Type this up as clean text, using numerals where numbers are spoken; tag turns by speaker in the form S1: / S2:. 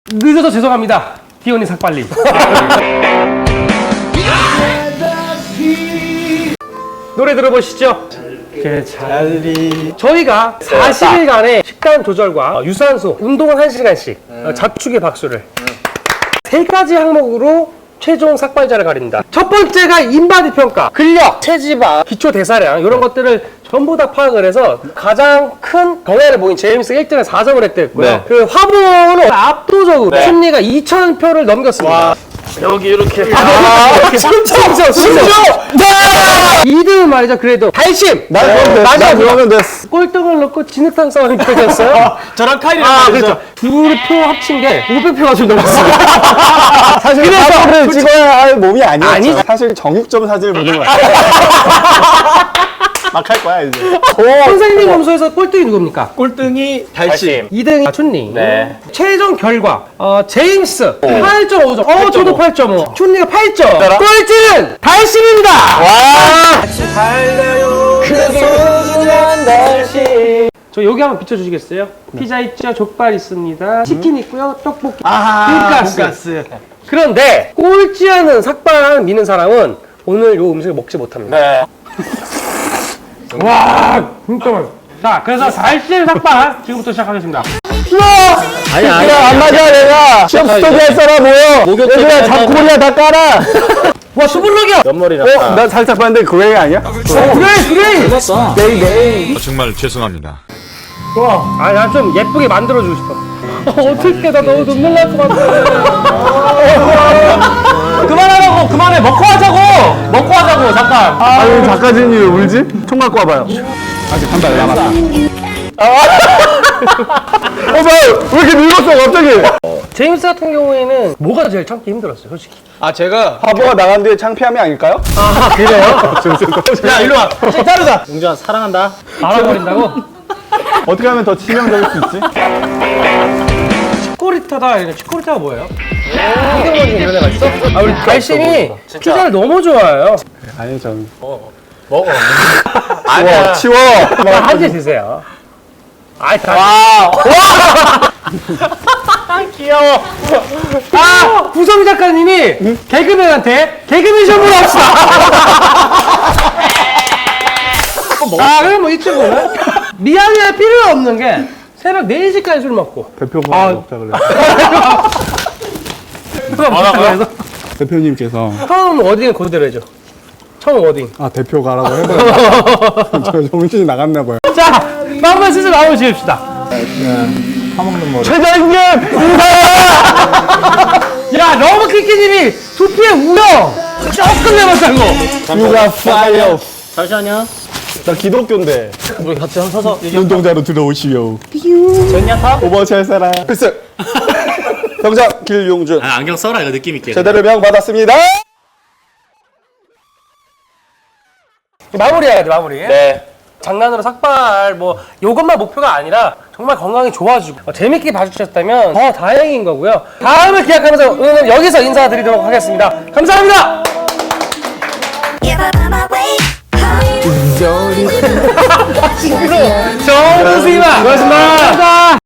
S1: 늦어서 죄송합니다. 디오니 삭발님. 노래 들어보시죠. 저희가 40일간의 식단 조절과 유산소, 운동은 1시간씩, 자축의 박수를 3가지 항목으로 최종 삭발자를 가립니다. 첫 번째가 인바디 평가, 근력, 체지방, 기초 대사량 이런 것들을 전부 다 파악을 해서 가장 큰 경애를 보인 제임스가 1등에 4점을 획득했고요.
S2: 네.
S1: 그 화보는 압도적으로 순위가 2,000표를 넘겼습니다.
S2: 여기 이렇게.
S1: 심지어 2등은 말이죠. 그래도 달심.
S2: 맞아, 그러면 됐어.
S1: 꼴등을 넣고 진흙탕 싸움이 펼쳤어요.
S2: 저랑 카이랑
S1: 그렇죠. 둘 표 합친 게 500표가 좀 넘었어요.
S2: 사실
S1: 그래서
S2: 사진을 찍어야 할 몸이 아니었죠.
S1: 아니죠.
S2: 사실 정육점 사진을 보는 거야. 막 할 거야 이제.
S1: 선생님 점수에서 꼴등이 누굽니까?
S3: 꼴등이 달심.
S1: 2등이 춘리.
S3: 네.
S1: 최종 결과 제임스 8.5점. 저도 8.5. 춘리가 8점. 꼴찌는 달심입니다. 저 여기 한번 비춰주시겠어요? 피자 있죠, 족발 있습니다, 치킨 있고요, 떡볶이, 돈가스. 그런데 꼴찌하는 삭발을 미는 사람은 오늘 요 음식을 먹지 못합니다.
S3: 네.
S1: 와, 진짜 맛있어. 자, 그래서 달심 삭발 지금부터 시작하겠습니다.
S2: 아니야, 안 맞아 내가. 시험 스터디 할 사람 모여. 얘들아 잡고리야 다 깔아.
S1: 와, 수블럭이야.
S3: 옆머리 났다.
S2: 난 살짝 봤는데 그레이 아니야?
S1: 그래.
S4: 정말 죄송합니다.
S1: 와, 아, 난 좀 예쁘게 만들어주고 싶어. 어떻게 나 너무 눈물 날 것 같아.
S3: 그만하라고, 그만해. 먹고 하자고, 잠깐.
S2: 아유 작가진이 왜 울지? 총 갖고 와봐요. 아직 한 달 남았다. 왜 이렇게 늙었어 갑자기?
S1: 제임스 같은 경우에는 뭐가 제일 참기 힘들었어요, 솔직히?
S3: 아, 제가.
S2: 화보가 나간 뒤에 창피함이 아닐까요?
S1: 아, 그래요?
S3: 야, 일로 와. 따르다. 용준아, 사랑한다.
S1: 알아버린다고?
S2: 어떻게 하면 더 치명적일 수 있지?
S1: 치코리타다. 치코리타가 뭐예요? 한경원 중에 이런 애가 있어? 아, 우리 달심이 피자를 너무 좋아해요.
S2: 아니 전
S3: 먹어.
S2: 치워 치워.
S1: 한 개 드세요. 아이, 다.
S3: 귀여워.
S1: 아, 구성 작가님이 개그맨한테 개그맨 시험을 합시다. 그럼 뭐 이 친구는 미안해 필요 없는 게 새벽 4시까지 술 먹고
S2: 대표가 먹자 그래.
S1: 그래서
S2: 대표님께서
S1: 처음 워딩을 그대로 해줘. 처음 워딩.
S2: 아 대표 가라고 해봐요. 저 정신이 나갔나 봐요.
S1: 자, 마음만 슬슬 마음을 지읍시다.
S2: 최장님
S1: 야, 너무 키키님이 두피에 우려 조금 내봤다고.
S2: 유가 파이어.
S3: 잠시만요.
S2: 나 기독교인데.
S3: 우리 같이 서서.
S2: 운동자로 들어오시오.
S3: 전냐 타?
S2: 오버워치 할 사람. 필스. 병장 길용준.
S5: 아, 안경 써라 이거 느낌 있게.
S2: 제대로 명 받았습니다.
S1: 마무리해야 돼, 마무리.
S3: 네.
S1: 장난으로 삭발 뭐 요것만 목표가 아니라 정말 건강이 좋아지고 재밌게 봐주셨다면 더 다행인 거고요. 다음을 기약하면서 오늘 여기서 인사드리도록 하겠습니다. 감사합니다. 정우승이만 고맙습니다.